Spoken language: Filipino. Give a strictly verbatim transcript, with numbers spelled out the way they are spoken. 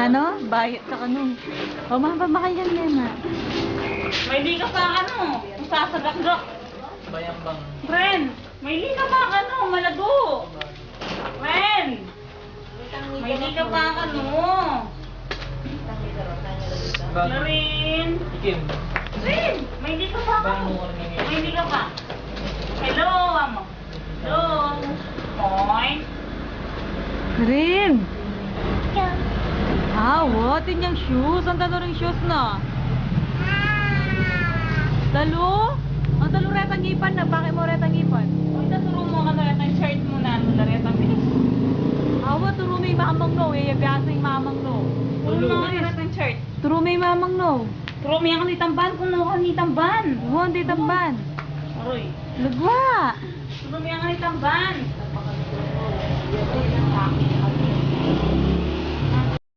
ano? Bayot sa kanong. O, mapamakayan yan na. May di ka pa ano, sasagak-gak. Bayambang. Ren, may di ka pa ano, malago. Ren, may di ka pa ano. Ren, Ikim. Ren, may di ka pa ano. May di ka pa. Hello, amo. Hello. Moin. Rin! Ah, what in yung shoes? Ang talo rin shoes na. Talo? Ang talo retang ipan na. Bakit mo retang ipan? Uy, taturo mo ka na yung shirt mo na. Ano na retang bilis. Awa, turo may mamang no. Eh, biasa yung mamang no. Turo mo ka na retang shirt. Turo may mamang no. Turo mo yan ka ni tamban. Kung no ka ni tamban. Huwag, di tamban. Aroy. Lagwa! Turo mo yan ka ni tamban.